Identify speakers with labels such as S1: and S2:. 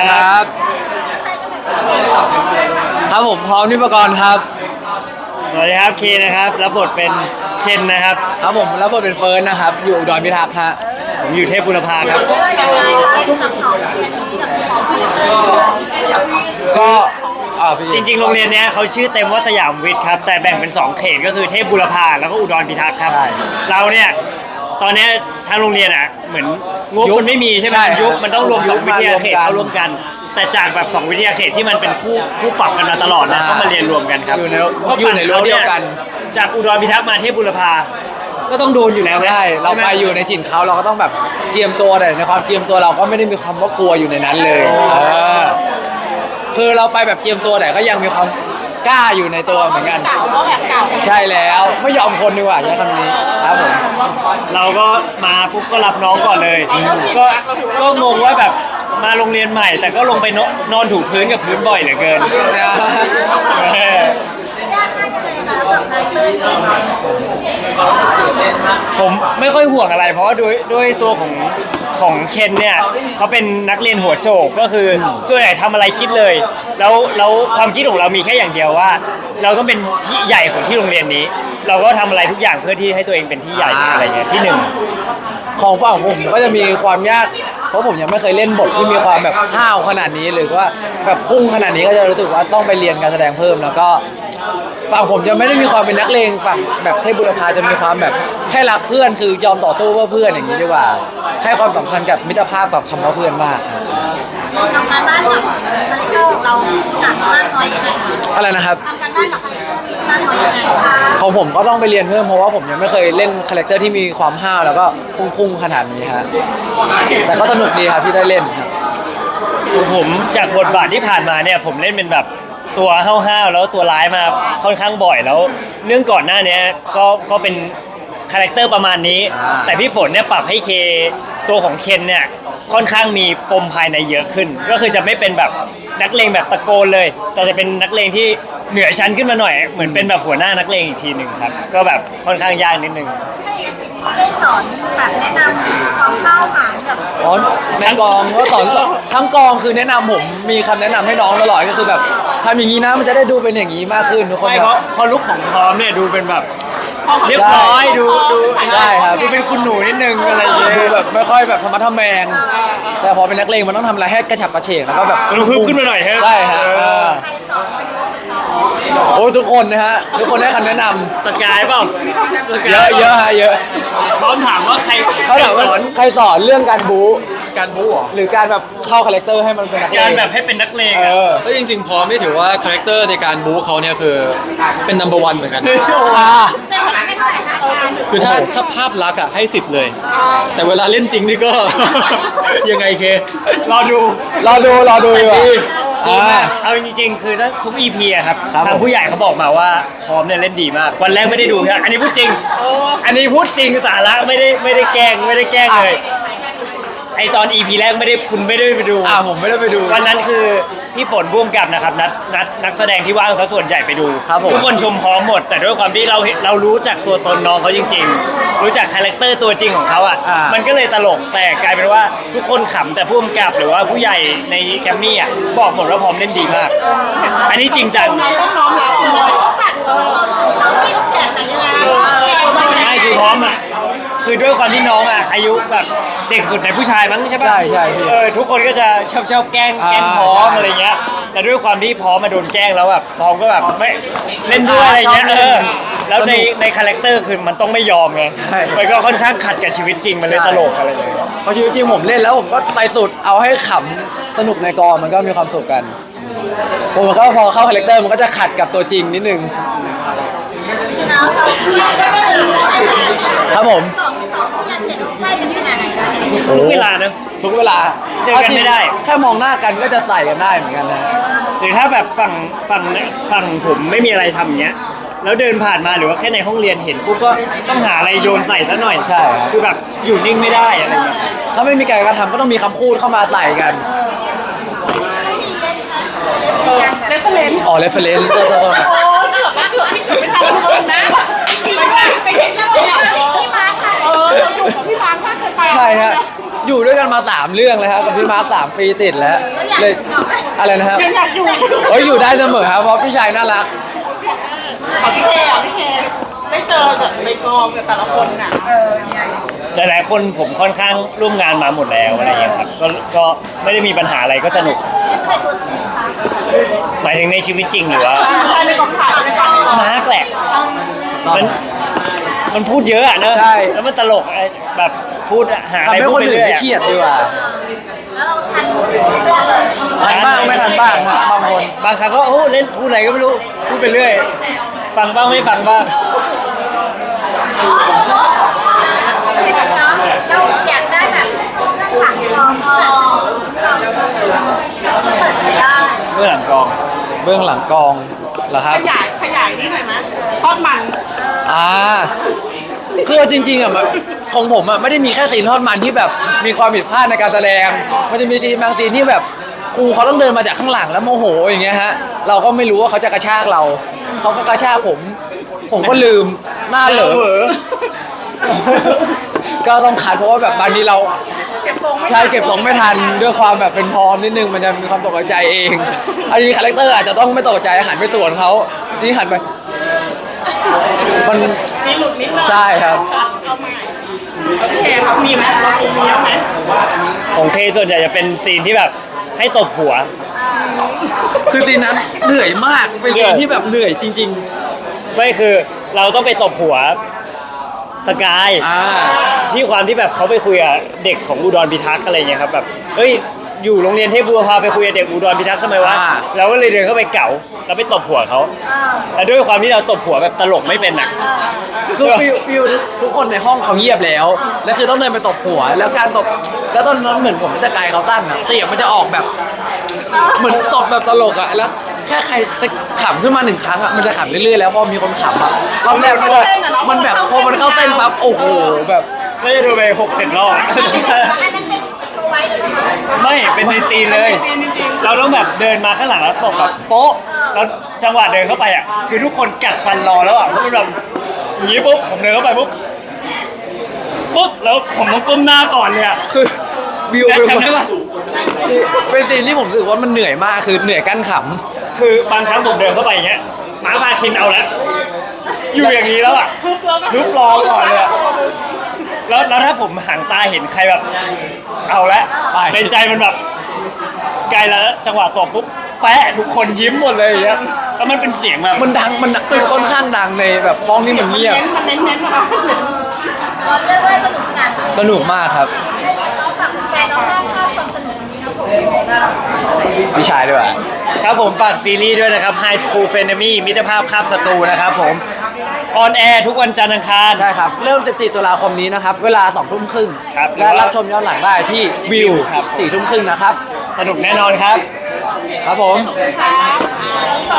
S1: ครับครับผมพร้อมนิปกรครับ
S2: สวัสดีครับเคนะครับรับบทเป็นเคนนะครับ
S1: ครับผมรับบทเป็นเฟิร์นนะครับอยู่อุดรพิทักษ์ฮะ
S2: ผมอยู่เทพบุรพาครับก็จริงๆโรงเรียนนี้เขาชื่อเต็มว่าสยามวิทย์ครับแต่แบ่งเป็น2เขตก็คือเทพบุรพาแล้วก็อุดรพิทักษ์ครับเราเนี่ยตอนนี้ทางโรงเรียนอ่ะเหมือนงบมันไม่มีใช่ไหมยุคมันต้องรวม2วิทยาเขตเข้าร่วมกันแต่จากแบบ2วิทยาเขตที่มันเป็นคู่ปรับกันมาตลอดนะก็มาเรียนรวมกันครับ
S1: อยู่ในรั้วเดียวกัน
S2: จากอุดรพิทักษ์มาเทพบุรพาก็ต้องโดนอยู่แล้ว
S1: ใช่เราไปอยู่ในถิ่นเขาเราก็ต้องแบบเจียมตัวแต่ในความเจียมตัวเราก็ไม่ได้มีความว่ากลัวอยู่ในนั้นเลยคือเราไปแบบเจียมตัวแต่ก็ยังมีความกล้าอยู่ในตัวเหมือนกันใช่แล้วไม่ยอมคนดีกว่าใช้คำนี้ครับผม
S2: เราก็มาปุ๊บก็รับน้องก่อนเลยก็งงว่าแบบมาโรงเรียนใหม่แต่ก็ลงไปนอนถูพื้นกับพื้นบ่อยเหลือเกินผมไม่ค่อยห่วงอะไรเพราะว่าด้วยตัวของเคนเนี่ยเขาเป็นนักเรียนหัวโจกก็คือส่วนใหญ่ทำอะไรคิดเลยแล้วความคิดของเรามีแค่อย่างเดียวว่าเราต้องเป็นที่ใหญ่ของที่โรงเรียนนี้เราก็ทำอะไรทุกอย่างเพื่อที่ให้ตัวเองเป็นที่ใหญ่อะไรเงี้ยที่หนึ่ง
S1: ของฝั่งผมก็จะมีความยากเพราะผมยังไม่เคยเล่นบทที่มีความแบบห้าวขนาดนี้หรือว่าแบบพุ่งขนาดนี้ก็จะรู้สึกว่าต้องไปเรียนการแสดงเพิ่มแล้วก็ฝั่งผมจะไม่ได้มีความเป็นนักเลงฝั่งแบบเทพบุรพาจะมีความแบบแค่รักเพื่อนคือยอมต่อสู้เพื่อเพื่อนอย่างนี้ดีกว่าให้ความสำคัญกับมิตรภาพกับคำว่าเพื่อนมาก
S3: ทำการบ้านกับคาแรคเตอร์เราหนักมากน้อยยังไง
S1: อะไรนะครับ
S3: ทำการบ้านกับคาแรคเตอร์มากน้อยยังไง
S1: ของผมก็ต้องไปเรียนเพิ่มเพราะว่าผมยังไม่เคยเล่นคาแรคเตอร์ที่มีความห้าวแล้วก็พุ่งขนาดนี้ฮะแต่ก็สนุกดีครับที่ได้เล่นครับ
S2: ผมจากบทบาทที่ผ่านมาเนี่ยผมเล่นเป็นแบบตัวห้าวๆแล้วตัวร้ายมาค่อนข้างบ่อยแล้วเรื่องก่อนหน้านี้ก็เป็นคาแรคเตอร์ประมาณนี้แต่พี่ฝนเนี่ยปรับให้เคตัวของเคนเนี่ยค่อนข้างมีปมภายในเยอะขึ้นก็คือจะไม่เป็นแบบนักเลงแบบตะโกนเลยแต่จะเป็นนักเลงที่เหนือชั้นขึ้นมาหน่อยเหมือนเป็นแบบหัวหน้านักเลงอีกทีหนึ่งครับก็แบบค่อนข้างยากนิดนึง
S3: ได้สอนแบบแนะนำความเข้าหาแบบ
S1: ในกองก็สอนทั้งกองคือแนะนำผมมีคำแนะนำให้น้องตลอดก็คือแบบทำอย่างนี้นะมันจะได้ดูเป็นอย่างนี้มากขึ้นทุกคน
S2: ไม่เพราะลุคของพร้อมเนี่ยดูเป็นแบบเรียบร้อยดู
S1: ใช่ครับ
S2: ดูเป็นคุณหนูนิดนึงอะไรอย่างเงี้ย
S1: ดูแบบไม่ค่อยแบบธรรมะทแมงแต่พอเป็นนักเลงมันต้องทำอะไรให้กระฉับกระเฉงแล้วก็แบบ
S2: ฮึบขึ้นมาหน่อยฮะ
S1: ใช่ฮะโอ้ทุกคนนะฮะทุกคนได้คำแนะน
S2: ำสกายเปล่า
S1: เยอะเยอะฮะเยอะ
S2: พร้อมถามว่าใคร
S1: สอนเรื่องการบู๊หรือการแบบเข้าคาแรคเตอร์ให้มันเป็นนักเลง
S2: การแบบให้เป็นนักเลง
S4: ก็จริงๆพร้อมไม่ถือว่าคาแรคเตอร์ในการบู๊เขาเนี่ยคือเป็น number 1เหมือนกันคือถ้าภาพลักษณ์อะให้10เลยแต่เวลาเล่นจริงนี่ก็ ยังไงเค
S2: รอดู
S1: ดีกว่า
S2: เอาจริงๆคือถ้าทุก EP อะครับทางผู้ใหญ่เขาบอกมาว่าพร้อมเนี่ยเล่นดีมากวันแรกไม่ได้ดูครับอันนี้พูดจริงสาระไม่ได้แกล้งเลยไอตอน EP แรกคุณไม่ได้ไปดู
S1: ผมไม่ได้ไปดู
S2: วันนั้นคือพี่ฝนร่วมกับนะครับนักแสดงที่ว่างซะส่วนใหญ่ไปดูทุกคนชมพร้อมหมดแต่ด้วยความที่เรารู้จักตัวตนน้องเขาจริงๆรู้จักคาแรคเตอร์ตัวจริงของเขาอ่ะมันก็เลยตลกแต่กลายเป็นว่าทุกคนขำแต่ผู้กำกับหรือว่าผู้ใหญ่ในแกรมมี่อ่ะบอกหมดว่าพร้อมเล่นดีมากอันนี้จริงจังใช่คือพร้อมอ่ะคือด้วยความที่น้องอ่ะอายุแบบเด็กสุดในผู้ชายมั้งใช่ปะ
S1: ใช่
S2: ทุกคนก็จะชอบแกล้งพร้อมอะไรเงี้ยแต่ด้วยความที่พร้อมมาโดนแกล้งแล้วแบบพร้อมก็แบบไม่เล่นด้วยอะไรเงี้ยแล้วในคาแรคเตอร์คือมันต้องไม่ยอมไงมันก็ค่อนข้างขัดกับชีวิตจริงมันเลยตลกอะไรเลย
S1: เพราะชีวิตจริงผมเล่นแล้วผมก็ไปสุดเอาให้ขำสนุกในกองมันก็มีความสุขกันผมก็พอเข้าคาแรคเตอร์มันก็จะขัดกับตัวจริงนิดนึงครับผม
S2: ทุกเวลานะ
S1: ทุกเวลา
S2: เจอกันไม่ได้
S1: แค่มองหน้ากันก็จะใส่กันได้เหมือนกันนะ
S2: หรือถ้าแบบฝั่งผมไม่มีอะไรทำเงี้ยแล้วเดินผ่านมาหรือว่าแค่ในห้องเรียนเห็นปุ๊บก็ต้องหาอะไรโยนใส่ซะหน่อย
S1: ใช่
S2: คือแบบอยู่นิ่งไม่ได้อะไรแบบ
S1: ถ้าไม่มีการกระทำก็ต้องมีคำพูดเข้ามาใส่กัน
S3: เรฟเฟรนซ์
S1: เรฟเฟรนซ์ก็
S3: เกือบไม่ทันเลยนะไปเห็นแล้วพี่มาร์คค่ะสนุกกับพี่มาร์คมากเกินไป
S1: ใช่ฮะอยู่ด้วยกันมา3เรื่องเลยครับกับพี่มาร์ค3 ปีติดแล้วเลยอะไรนะครับ
S3: ยังอยากอยู่
S1: เฮ้ยอยู่ได้เสมอครับเพราะพี่ชายน่ารัก
S3: ของพี่เคได้เจอแบบในกองกับแต่ละคนน่ะ
S2: หลายๆคนผมค่อนข้างร่วมงานมาหมดแล้วอะไรอย่างเงี้ยครับก็ไม่ได้มีปัญหาอะไรก็สนุก
S3: เป็นใครตัวจริงคะ
S2: หมายถึงในชีวิตจริงหรือว่า
S3: ใครในกองถ่ายในกอง
S2: มาร์กแหละมันพูดเยอะอะเนอะ
S1: ใช่
S2: แล้วมันตลกไอ้แบบพูดหาอะไร
S1: ทำให้
S2: พู
S1: ค
S2: ด
S1: น
S2: ไป
S1: อื่น
S2: เรื่อย
S1: ไม่
S2: อะ
S1: เครียดดีกว่า
S3: แล้วเราทันเรื่องเลย
S1: ทันบ้างไม่ทันบ้างครับบางคน
S2: บางครั้งก็โอ้เล่นพูดอะไรก็ไม่รู้พูดไปเรื่อย ฟังบ้างไม่ฟังบ้าง
S3: เราอยากได้แบบเรื่องหลังกองเปิดเผยได้
S2: เมื่อหลังกอง
S1: เบื้องหลังกองเหรอครับ
S3: ขยายนี่หน่อยไหมทอดมัน
S1: คือจริงๆอ่ะมันของผมอ่ะไม่ได้มีแค่ซีนทอดมันที่แบบมีความผิดพลาดในการแสดง มันจะมีซีนบางซีนที่แบบครูเขาต้องเดินมาจากข้างหลังแล้วโมโหอย่างเงี้ยฮะเราก็ไม่รู้ว่าเขาจะกระชากเราเขาก็กระชากผมก็ลืมหน้าเหลอ ก็ต้องขัดเพราะว่าแบบบางทีเรา
S3: เก็บทรงไม่
S1: ใช่เก็บของไม่ทันด้วยความแบบเป็นพร้อมนิดนึงมันจะมีความตกใจเองอันนี้คาแรคเตอร์อาจจะต้องไม่ตกใจหันไปสวนเขานี่หันไปมัน
S3: มีหลุดนิดหน่อย
S1: ใช่ครับ
S3: เอาใหม่โอเคครับมีไหมเรามีเยอะไหม
S2: ของเคส่วนใหญ่จะเป็นซีนที่แบบให้ตบหัว
S1: คือซีนนั้นเหนื่อยมากเป็นซีนที่แบบเหนื่อยจริง
S2: ไม่คือเราต้องไปตบหัวสกาย
S1: ๆ
S2: ที่ความที่แบบเขาไปคุยกับเด็กของอุดรพิทักษ์อะไรเงี้ยครับแบบเอ้ยอยู่โรงเรียนเทพบัวพาไปคุยกับเด็กอุดรพิทักษ์ทำไมวะเราก็เลยเดินเข้าไปเก๋าแล้วไปตบหัวเขาแล้วด้วยความที่เราตบหัวแบบตลกไม่เป็นอ่ะ
S1: คือฟิวทุกคนในห้องเขาเงียบแล้วแล้วคือต้องเดินไปตบหัว แล้วการตบแล้วตอนนั้นเหมือนผมสกายเขาสั้นอะเสียงมันจะออกแบบ เหมือนตบแบบตลกอะแล้วแค่ใครขำขึ้นมา1 ครั้งอะมันจะขำเรื่อยๆแล้วพอมีคนขำอะรอบแรกมันแบบพอมันเข้าเต้นปั๊บโอ้โหแบบ
S2: ไม่ได้ดูไป6-7 รอบ
S3: อันนั้นเป็นตัวไว้หรือเปล่า
S2: ไม่เป็นในซีนเลย เราต้องแบบเดินมาข้างหลังแล้วตบแบบโป๊ะแล้วจังหวะเดินเข้าไปอ่ะคือทุกคนกัดฟันรอแล้วอ่ะเพราะมันแบบอย่างนี้ปุ๊บผมเดินเข้าไปปุ๊บแล้วผมต้องก้มหน้าก่อนเลยอ่ะ
S1: คือวิว
S2: แจ็ค
S1: เป็น
S2: จำได้ปะ
S1: เป็นซีนที่ผมรู้สึกว่ามันเหนื่อยมากคือเหนื่อยกั้นข
S2: คือบางครั้งผมเดินเข้าไปอย่างเงี้ยหมาพาคินเอาแล้วอยู่อย่างนี้แล้วอ่ะทุบรอก่อนเลยอะแล้วถ้าผมหันตาเห็นใครแบบ เอาละในใจมันแบบไกลแล้วจังหวะตบปุ๊บแปะทุกคนยิ้มหมดเลยอย่างเงี้ยแล้วมันเป็นเสียงแบบ
S1: ำมันดังมันค่อนข้างดังในแบบห้องที่มันเงียบ
S3: มันเน้นๆนะคะเราเรียกว่าสนุกสนาน
S1: สนุกมากครับ
S3: เราฝากแฟนน้องๆเข้าความสนุกนี้ครับผม
S1: พี่ชายด้วย
S2: ครับผมฝากซีรีส์ด้วยนะครับ High School f r e n e m y มิตรภาพคาบศัตรูนะครับผมออนแอร์ทุกวันจันทร์อังคาร
S1: ใช่ครับ เริ่ม 14 ตุลาคมนี้นะครับ เวลา 2 ทุ่มครึ่ง
S2: ครับ
S1: และรับชมย้อนหลังได้ที่วิว
S2: ครับ
S1: 4 ทุ่มครึ่งนะครับ
S2: สนุกแน่นอนครับ
S1: ครับผม
S3: ต่อ